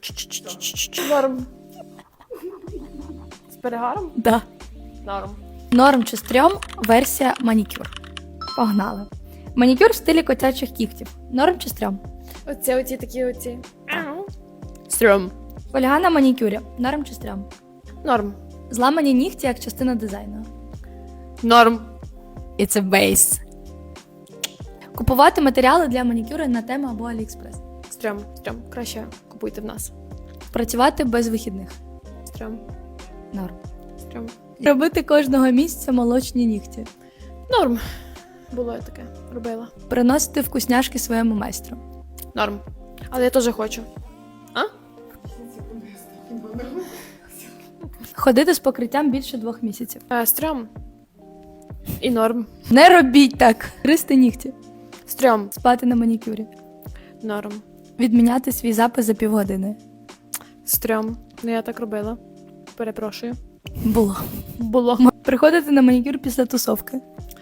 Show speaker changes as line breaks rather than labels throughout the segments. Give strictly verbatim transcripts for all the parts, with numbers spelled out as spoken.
Норм. З перегаром?
Да.
Норм.
Норм чи стрьом версія манікюр. Погнали. Манікюр в стилі котячих кігтів. Норм чи стрьом?
Оці, оці такі оці. Стрьом.
Фольга на манікюрі. Норм чи стрьом?
Норм.
Зламані нігті як частина дизайну.
Норм.
It's a base. Купувати матеріали для манікюру на Тему або Аліекспрес.
Стрьом. Стрьом. Краще купуйте в нас.
Працювати без вихідних.
Стрьом.
Норм.
Стрьом.
Робити кожного місяця молочні нігті.
Норм. Було я таке. Робила.
Приносити вкусняшки своєму майстру.
Норм. Але я теж хочу. А?
Ходити з покриттям більше двох місяців.
Е, стрьом. І норм.
Не робіть так. Гризти нігті.
Стрьом.
Спати на манікюрі.
Норм.
Відміняти свій запис за півгодини.
Стрьом. Ну я так робила. Перепрошую.
Було.
Було.
Приходити на манікюр після тусовки.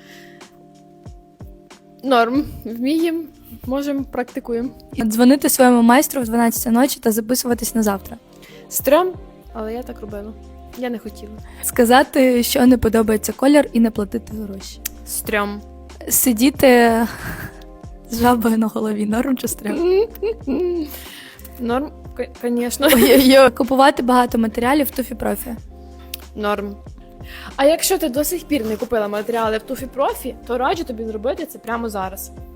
Норм. Вміємо. Можемо, практикуємо.
Дзвонити своєму майстру в дванадцятій ночі та записуватись на завтра.
Стрьом. Але я так робила. Я не хотіла.
Сказати, що не подобається колір і не платити гроші.
Стрьом.
Сидіти з жабою на голові. Норм чи стрьом?
Норм, звісно.
Ой-ой-ой. Купувати багато матеріалів в Туфі Профі.
Норм. А якщо ти до сих пір не купила матеріали в Туфі Профі, то раджу тобі зробити це прямо зараз.